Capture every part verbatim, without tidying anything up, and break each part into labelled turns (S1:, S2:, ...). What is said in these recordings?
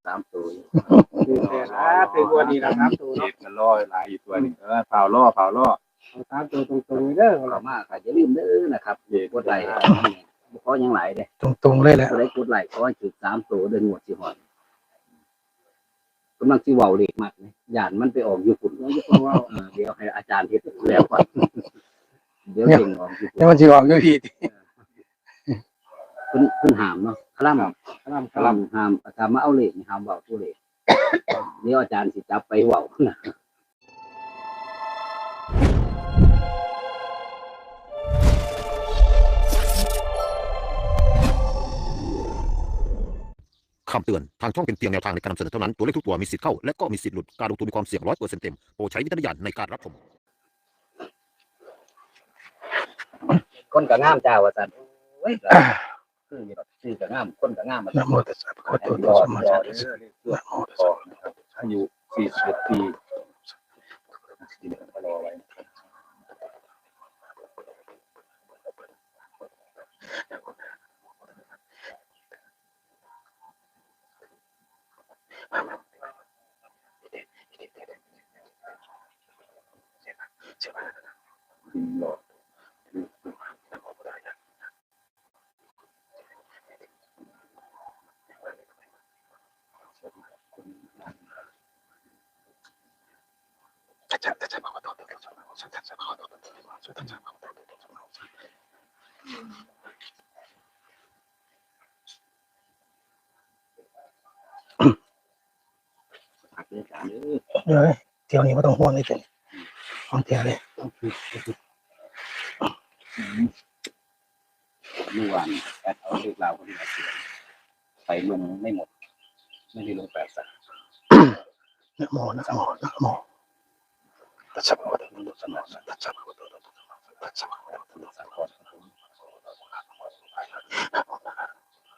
S1: สามตัว
S2: คือแต่ละเป็นตัวนี้ละสามตัว
S3: เจ็ดมันล่อหลายอีกตัวนึงเออเผาล่อเผาล่อ
S2: สามตัวตรงๆเด้อ
S1: เข้ามาก็อย่าลืมเด้อนะครับกดไลค์เพราะยังหลายเด้
S4: ตรงๆเลยแหละ
S1: ก็ได้กดไลค์เพราะว่าจุดสามตัวเดินหมดสิหอดกำลังสิเว้าเล็กมากเลยย่านมันไปออกอยู่ฝุ่นเดี๋ยวให้อาจารย์เฮ็ดแล้วก่อนเดี๋ยวเก่งออกอยู่
S4: แล้วมันสิออกอยู่พี่
S1: เพิ่นเพิ่นห้ามเนาะคลำ
S2: คลำ
S1: คลำห้ามถ้ามาเอาเลขนี่ห้ามเว้าตัวเลขเดี๋ยวอาจารย์สิจับไปเว้านะ
S5: คำเตือน ทางช่องเป็นเพียงแนวทางในการนำเสนอเท่านั้น ตัวเลขทุกตัวมีสิทธิ์เข้า และก็มีสิทธิ์หลุด การลงทุนมีความเสี่ยงร้อยเปอร์เซ็นต์เต็ม โปรดใช้วิจารณญาณในการรับชม
S1: คนก็งามจ้าว่าซั่นโอ้ยคืออยู่ดอกชื่อก็งามคนก็งามมา
S4: นะโมตัสสะภะคะวะโตอะระหะโตสัมมาสัมพุทธัสสะนะโมตัสสะ
S3: นะครับอายุสี่สิบเอ็ดปีรอไว้รอพักเรื่องการเด้อ
S4: เดี๋ยวเที่ยวนี้ไม่ต้องห่วงเลยจ้ะของเที่ยวเลย
S1: เมื่อวานแอดเอาเลขราวคนที่มาเขียนไปลงไม่หมดไม่ได้ลงแปดสัก
S4: นะโมนะโมนะโมตัสสะภะคะวะโตอะระหะโตสัมมาสัมพุทธัสสะตัสสะภะคะวะโตอะระหะโตสัมมาสัมพุทธัสสะ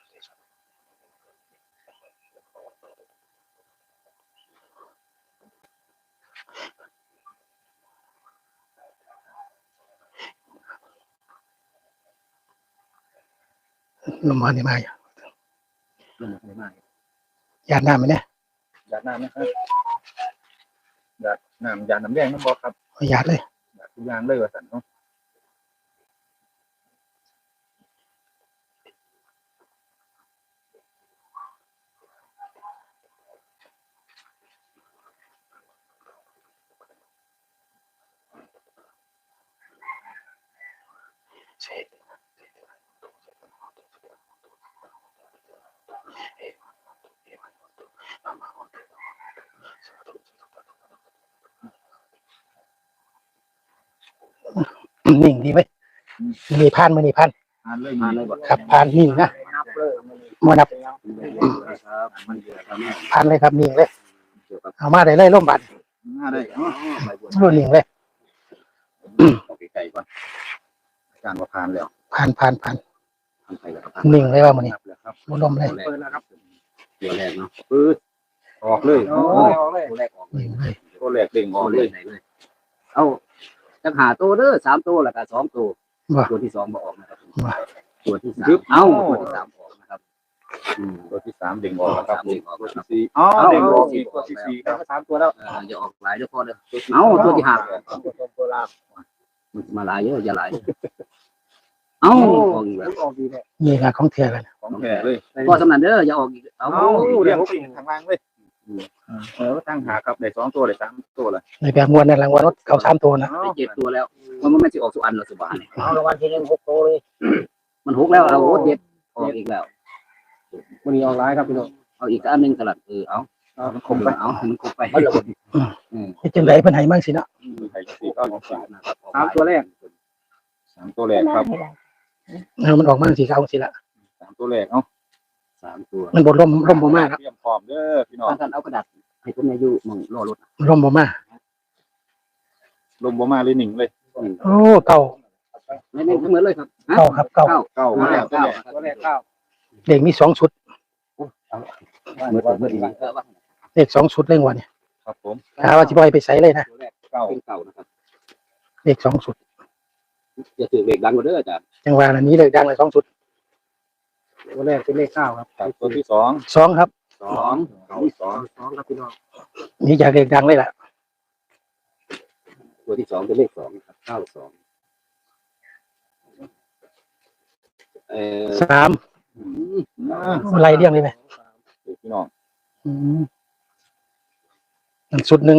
S4: ลมมาเนี่ยมาอยู่
S1: ลงไม่มาก
S4: ญาติน้ำไหมเนี่ย
S3: ยาดน้ำนะครับยาดน้ำยาดน้ำแดงน้ำบอกครับ
S4: เอาญาติเลย
S3: ยาดทุกอย่างเลยว่าสันเนาะ
S4: นิ่งดีไหมมีพานมือนี่พาน
S3: อ่านเลย
S1: มาเลยบ่
S4: ครับพานนิ่งนะ
S2: นับเลย
S4: มานับ
S1: ครับมันเกี่ยวกับแม่
S4: พานเลยครับนิ่งเลย
S1: เกี่ยวกับ
S4: เอามาได้เลยร่มบัตร
S3: หน้าได้เนาะ
S1: ไปบวช
S4: รุ่นนิ่งเลย
S1: ออกไกลๆก่อน
S3: อาจารย์ว่าผ่านแล้ว
S4: พานพานพาน
S1: ทำไปแล้วครับ
S4: นิ่งเลยว่ามือนี่
S3: นับแล้วครับ
S4: ร่มเลย
S2: เปิดแล้วครับ
S1: ตัวแรกเนาะปื๊ด
S3: ออกเลย
S2: โอ้ยออกเลย
S1: ตัวแรกออกเลย
S4: นิ่งเลย
S3: ตัวแรกเด้งอ
S1: อ
S3: อ
S1: อก ก
S3: เล
S1: เลย ยไหนเลยเอาจังหาตัวเด้อสามตัวแล้วก็สองตัว
S4: ว่า
S1: ตัวที่สองบ่ออกนะครับ
S4: ว่า
S1: ตัวที่สามเอ้าตัวที่สามออกนะครับอืม
S3: ตัวที่สามเด้งออกแล้วครับ
S1: เด้งออก
S3: ตัว
S1: แล้วค
S3: ที่
S1: รับ
S3: สี่อ๋อเด้งออกอีกตัวที่สี่ค
S2: แล้
S3: รั
S2: ว
S3: บ
S2: ก็สามตัวแล้ว
S1: เอออย่าออกหลายเดี๋ยวพอเด้อเอ้าตัวที่ห้าออก
S2: ตัวตรงตัวล่าง
S1: มันมาหลายเยอะอย่าหลายเอ้าออกอีกแล้ว
S2: ออกดีเนี่ย
S4: นี่ค่ะของเที่ยวกัน
S3: ของแท้เลย
S1: ก็สำนันเด้ออย่าออกอีกเอา
S3: เอาเรียงสิ่งทางล่างเลยเออตั้งหาครับได้สองตัวได้สามตัวเลย
S4: ในแบบมวลในรางวัลรถเขาสามตัวนะ
S1: ไปเจ็ดตัวแล้วมันมันไม่สิออกสุอันหรอกสุบานนี่
S2: เอารางวัลที่หนึ่งหกตัวเลย
S1: มันหกแล้วเอาโอ้เจ็ดออกอีกแล้ว
S2: วันนี้ออกร้ายครับพี่น้อง
S1: เอาอีกอันหนึงสลัดเออเอา
S2: เอา
S1: มันคงไปเอามันคงไป อืม
S4: ที่จังไรเพิ่นให้มั่งสินะ
S3: ไข่สี่เก้าของสาม
S2: สามตัวแรก
S3: สามตัวแรกครับ
S4: เออมันออกมั่งสิเขาสิละ
S3: สามตัวแรกเอ้า
S1: สามตัว
S4: มันบดร่มร่มบ่มากครับ
S3: เตรียมพร้อมเด้อพี่น้อง
S1: ท่านท่านเอากระดาษให้ผมเนี่ยอยู่หมองรอรถ
S4: ร่มบ่มาก
S3: ลมบ่มาเลยหนึ่งเลย
S4: โอ้เก่า
S1: ไม่ไม่เหมือนเลยครับฮะ
S4: เก่าครับเก่า
S1: เก้า
S3: เก้ามาแล้วตัว
S1: เก้า
S3: แรก
S2: ตัวแรกเก้า
S4: เด็กมีสองชุด
S1: เหมือนเหมือนเหมือนเออว่า
S4: เด็กสองชุดเร่งวันเนี่ย
S3: ครับผม
S4: หาว่าสิบ่ให้ไปใส่เลยนะ
S1: ตัวแรก
S3: เก้า
S1: เป็นเก่านะครับ
S4: เด็กสองชุด
S1: อย่าถือเบรกดังกว่าเด้ออาจารย์
S4: จังหวะนั้นนี้เลยดังเลยสองชุด
S2: ตัวแรกเป็นเลขเก้าครับ
S3: ครับตัวที่สอง
S4: สองครับ
S1: สสอง
S3: เก้าสอง
S2: สองครับพี่น้อง
S4: นี่จากเลขดังเลยล่ะ
S1: ตัวที่สองเป็นเลขสองครับเก้าสองเอ่อ
S4: สาม
S1: อืม
S4: อะไรเรียงเลยไหม
S3: พี่น้อง
S4: อืมอันสุดหนึ่ง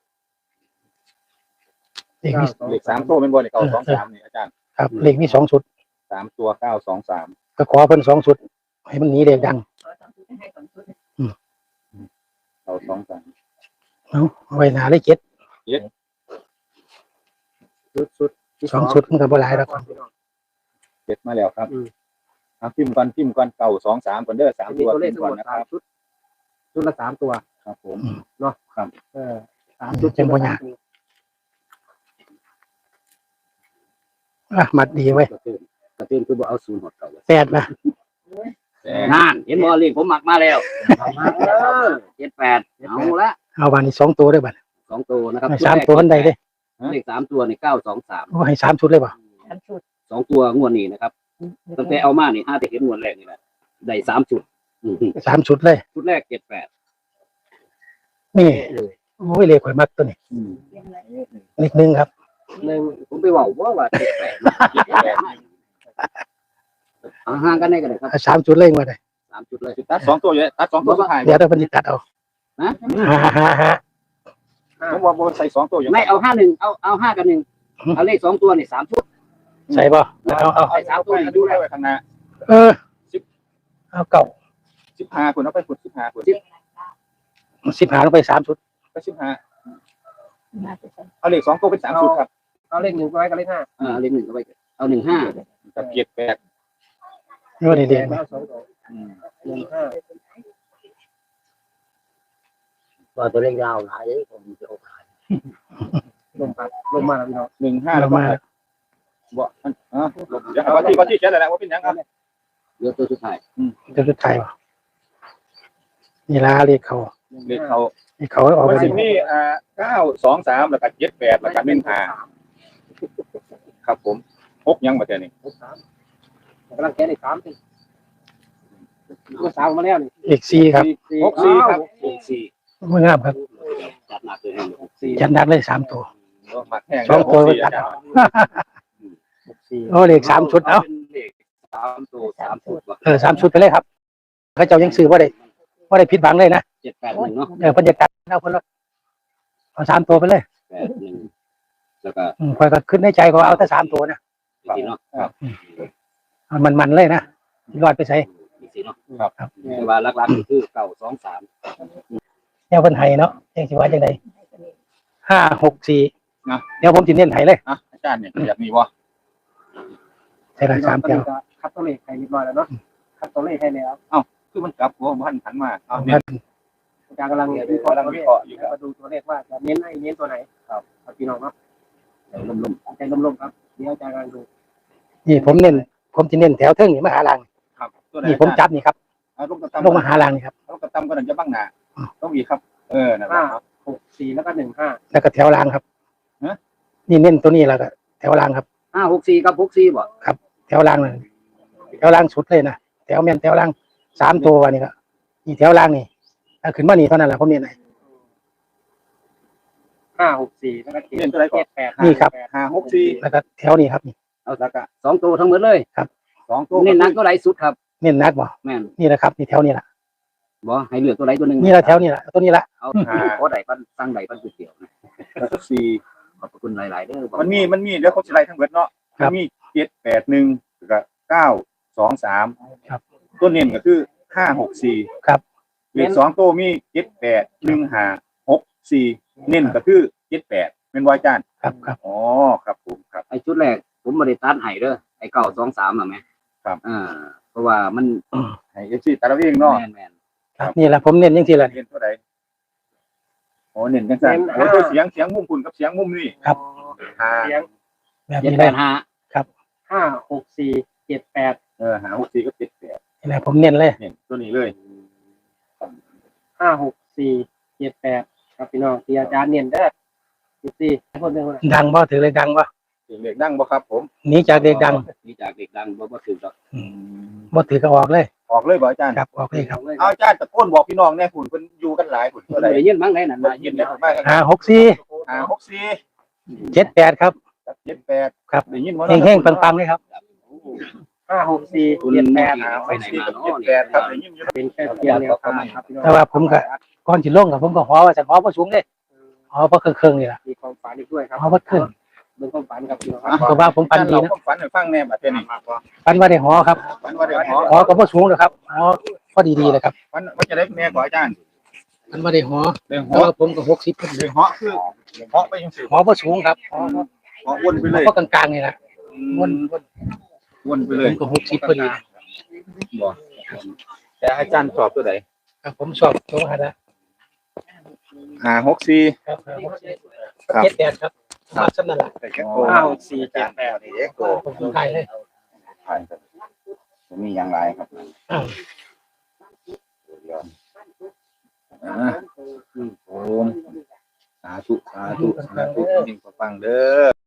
S4: เลขมี
S3: เลขสามตัวเป็นบอลเก้าสองสามนี่อาจารย์
S4: ครับเลขมีสองสุด
S3: สามตัวเก้าสองสาม
S4: ก็ขอเพิ่นสองสุด ให้มันหนีเลขดัง
S3: เก้าสองสาม
S4: เอาเอาไว้หนาเลยเจ็ด
S2: ชุดชุดที่
S4: สองสุดมันก็บ่หลายแล้ว
S2: พี่น้อง
S3: เจ็ดมาแล้วครับอ่ะพิมพ์ก่อนพิมพ์ก่อนเก้าสองสามก่อนเด้อสาม
S2: มี
S3: ตัว
S2: ตัวเล
S3: พิ
S2: ข
S3: มพ์
S2: ทั้ง
S3: ก่อ
S2: หม
S3: น
S2: ด
S3: นะค
S2: สา
S3: รั
S2: ม
S3: บ
S2: ชุดชุดละสามตัว
S3: ครับผม
S2: เออสามชุด
S4: จังบ่ยากอ่ะมัดดีไว้ย
S1: กระตื้นกระตื้นคือบ่เอาศูนย์หดเก่าเลย
S4: แปดนะ
S3: แต่
S1: นั่นเห็นบ่เลขผมหมักมาแล้วเออเจ็ดแปดเอาละ
S4: เอาบานนี้สองตัวได้บัด
S1: สองตัวนะครับ
S4: ให้สามตัวอันใดเด้
S1: เลขสามตัวในเก้าสองสาม
S4: โอ้ให้สามชุดเลยป่ะ
S1: สองตัวงวดนี้นะครับตั้งแต่เอามานี่ห้าแต่เห็นงวดแรกนี่แหละได้สามจุดอืม
S4: สามชุดเลย
S1: ชุดแรกเจ็ดแปด
S4: นี่โอ้ยเลขข่อยมักตัวนี้
S3: อืม
S4: เลขหนึ่งครับ
S2: หนึ่ง
S1: ผมไปบอกว่าว่าเจ็ดแปดเอาห่างกันได้กันเลยครับ
S4: เอาสามชุดเลยมาเลย
S1: สามจุดเลย
S3: ตัดสองตัวอยู่ตัดสองตัวสุดท้าย
S4: เดี๋ยวเราเพิ่นสิตัดเอา
S1: นะ
S4: ฮ่าฮ่าฮ่า
S3: ผมว่าใส่สองตัวอยู่
S1: ไม่เอาห้าหนึ่งเอาเอาห้ากับหนึ่งเอาเลขสองตัวนี่สามชุด
S4: ใส่ป่ะเอาเอา
S3: ใส่สามตัวดูได้ไว้ข้างหน้า
S4: เออเอาเก่า
S3: สิบห้าคนเอาไปขุดสิบห้าคน
S4: สิบหาลงไปสามชุด
S3: ก็สิบห้าเอาเลขสองตัวเป็นสามชุดครับ
S2: เอาเลขหนึ่งไว้กับเลขห้า
S1: อ่าเลขหนึ่งเอาไปเอาหนึ่งห้า
S3: กับเกียรติแปด
S4: นี่ว่าเด็กๆ
S2: แล้
S4: นะ
S2: วสองตัว
S3: อืม
S2: หนึ่งห้า
S1: ว่าตัวเลขยาวหลายผมจะเอาขาย
S2: ลมพัดลมมาแล้วพี่น้อง
S3: หนึ่งห้า
S4: เรา
S3: แล้วก็
S4: มา
S3: บ่อันอ่ะเดี๋ยวเอาที่เอาที่เขียนอะไรว่าเป็นยังครับ
S1: เดี๋ยวตัวสุดท้าย
S4: เดี๋ยวจะถ่ายป่ะนี่ละเลขเขา
S3: เลขเขา
S4: เลขเขาออก
S3: วั
S4: ไป
S3: นสิบนี่อ่าเก้าสองสามแล้วก็เจ็ดแปดแล้วก็หนึ่งห้าครับผมหกยังมาเท่านี้
S2: หกสามกำลังแก้เลขสามสิก็สามมาแล้วนี่
S4: เลขสี่ครับ
S3: หกสี่ครับ
S1: หกสี่
S4: ไม่งามครับ
S1: จัดหนักเลยหก
S2: สี่
S4: จันดักเลยสามตัว
S3: หมักแห้ง
S4: สองตัว
S3: ห
S4: ไป
S3: กสี่
S4: ตัด
S3: อาจาร
S4: เอา
S3: ย์
S2: หกสี่
S4: โอ้เลขสามชุดเอา
S1: เป็นเลขสามตัวสามชุดว่ะ
S4: เออสามชุดไปเลยครับเขาเจ้ายังซื้อว่าได้ว่าได้ผิดหวังเลยนะ
S1: เจ็ดแปดหนึ่งเนาะ
S4: เออบรรยากาศเอาคนละเอาสามตัวไปเลย
S1: แปดหนึ่งแล้วก็
S4: อืมคอยก็ขึ้นในใจก็เอาแต่สามตัวนะ
S1: สี่เนาะ
S4: เอามันมันๆเลยนะรอดไปใส่
S1: สี่เนาะ
S3: ครับ
S4: ครับ
S1: แต่ว่าหลักๆคือเก้าสองสาม
S4: แนวเพิ่นไห้เนาะยังสิว่าจังไดห้าหกสี่เดี๋ยวผมสิเน้นไห้เลย
S3: อ่ะอาจารย์เนี่ยแบบนี้วะ
S4: ใช่ละสามแก้ว
S2: คัดตัวเลขให้เรียบร้อยแล้วเนาะคัดตัวเลขให้แล้ว
S3: คือมันกลับหัวมันหันมาเอา
S4: เ
S3: เนี่ย
S2: อาจารย์กำลังวิเคราะห์ตัวเลขมาดูตัวเลขว่าจะเน้นให้เน้นตัวไหนครับพี่น้องเนาะ
S1: ลม
S2: ใจลมๆครับเดี๋ยวอาจารย์กำลังดู
S4: นี่ผมเน้นผมสิเน้นแถวเทิงนี่มาหาลัง
S3: ครับตัวไหน
S4: นี่ผมจับนี่ครับ
S3: เอาลูกกระตำ
S4: ลงมาหาลังนี่ครับ
S3: ลูกกระตำก็หนังจะบ้างหนาต้องอีกครับ เออนั่นแหละ
S2: ห้า
S3: ครับ
S2: หกสี่แล้วก็หนึ่งห้า
S4: แล้วก็แถวลังครับ
S3: ฮะ
S4: นี่เน้นตัวนี้แล้วก็แถวลังครับ
S1: ๆห้าหกสี่กับหกสี่บ่
S4: แถวลังนั่นแถวลังสุดเลยนะแถวแม่นแถวลังสามตัววันนี้ก็นี่แถวลังนี่ถ้าขึ้นมานี่เท่านั้นแหละผมเน้นให้
S2: ห้าหกสี่แล้วก็เจ็ด
S3: เล่นตัวไหนก่อน
S2: เจ็ดแปด
S4: นี่ครับ
S3: ห้าหกสี่
S4: แล้วก็แถวนี้ครับนี่
S1: เอาสักกะสองตัวทั้งหมดเลย
S3: สองตัว
S1: เน้นหนักตัวไหนสุดครับ
S4: เน้นนักบ่
S1: แม่น
S4: นี่แหละครับนี่แถวนี้แหละ
S1: บ่ให้เหลือตัวไหนตัวหนึ่ง
S4: นี่แหละแถวนี้แหละตัวนี้แหละ
S1: เอาขอใดปันสั่งใดปันก๋วยเตี๋ยวนะ
S3: สี่
S1: ขอบคุณหลายๆเด้อบอก
S3: มันมีมันมีเดี๋ยวเขาจะไล่ทั้งเบิดเนาะมันมีเจ็ดแปดหนึ่งกับเก้าสองสาม
S4: ครับ
S3: ตัวเน้นก็คือห้าหกสี่
S4: ครับ
S3: เลขสองตัวมีเจ็ดแปดหนึ่งห้าหกสี่เน้นก็คือเจ็ดแปดเป็นวายจาน
S4: ครับครับ
S3: อ๋อครับผมครับ
S1: ไอ้ชุดแรกผมบริตัดให้เด้อไอ้เก้าสองสามอ่ะแม่
S3: ครับ
S1: อ่าเพราะว่ามัน
S3: ให้เอฟซีตาลาวิ่งเนาะ
S1: แม่นแม่น
S4: ครับนี่แหละผมเน้นยังทีละ
S3: เน้นเท่าไหร่โอ้เน้นกันสั่นโอ้ตัวเสียงเสียงมุมคุณกับเสียงมุมนี่
S4: ครับ
S3: ห้า
S2: เสียง
S4: แบบ
S1: เจ็ด
S4: นี้
S1: แป
S4: เลย
S1: ดห้า
S2: ห้าหกสี่เจ็ดแปด
S3: เออห้าหกสี่ก็เจ็ดแปด
S4: นี่แหละผมเน้นเลย
S3: เน้นตัวนี้เลย
S2: ห้าหกสี่เจ็ดแปดครับพี่น้องที่อาจารย์เนียนเด้อสิบสี่คนเดียวนะ
S4: ดังบ่ถือเลยดังบ่
S3: เสียงเด็กดังบ่ครับผม
S4: หนีจากเด็กดัง
S1: นี่จากเด็กดังบ่บ่ถือดอก
S4: บ่ถือก็ออกเลย
S3: ออกเลยบ่อาจารย์
S4: ครับออกเลยครับ
S3: เอาอาจารย์ตะโกนบอกพี่น้องแน่หุ่นเพิ่นอยู่กันหลายหุ่น
S1: เพิ่
S3: เท่าน ไหร่
S1: ได้ยินมั้งไหนนั่น
S3: ได้
S1: น่ะ
S3: ยินได้มาก
S4: ห้าหกสี่
S3: ห้าหกสี่
S4: เจ็ดแปดครับ
S3: เจ็ดแปด
S4: ครับ
S3: ได้ยินว่า
S4: เฮงๆปังๆเลยครับ
S2: ห้าหกสี่
S1: คุณ
S2: เจ็ดแปด
S1: หาไปไหนมา
S3: เจ็ด
S1: เนาะ
S3: แปดครับได้ยินอยู่
S2: เป็นแค่เพียงแนวทางครับพี่น้อง
S4: แต่ว่าผมก็ก่อนสิลงกับผมก็หอว่าจะหอบ่สูงเด้หอบ่เครื่องๆนี่ล่ะ
S2: มีความฝันอีกด้วยครับ
S4: หอบ่ขึ้น
S2: เรื่องความฝันครับพี่น้องค
S4: เพ
S2: รับ
S4: ราะว่าผมปันดี
S3: เรา
S4: นะ
S3: ความฝันให้ฟังแน่บัดนี้
S4: ปันว่าได้หอครับ
S3: ฝันว่าได้หอ
S4: หอก็บ่สูงหรอกครับหอพอดีๆเลยครับ
S3: ฝันว่าจะได้แม่กว่าอาจารย์
S4: ปันว่าได้หอ
S3: ได้ห
S4: แต่
S3: อ
S4: ว่าผมก็หกสิบพอดี
S3: ได้หอคือหอไปจังซี่
S4: หอบ่สูงครับหอ
S3: หอวนไปเลย
S4: ก็กลางๆนี่ล่ะวน
S3: วนไป
S4: ผ
S3: เลย
S4: มก็หกสิบพอดี
S3: บ่แต่อาจารย์สอบตัวใด
S4: ครับผมชอบตรงนั้นนะ
S3: ห้าหกสี่
S4: ครับ
S3: ครับ
S4: เจ็ดแปดครับมาสำนั่นล่ะ
S2: ห้าหกสี่เจ็ดแปด
S3: นี่เอ็กโก
S4: ผมถ่ายเลย
S3: ผ่านครับมีอย่างไรครับ
S4: อ้าว
S3: อ่าโอ้สาธุสาธุสาธุจริงๆฟังเด้อ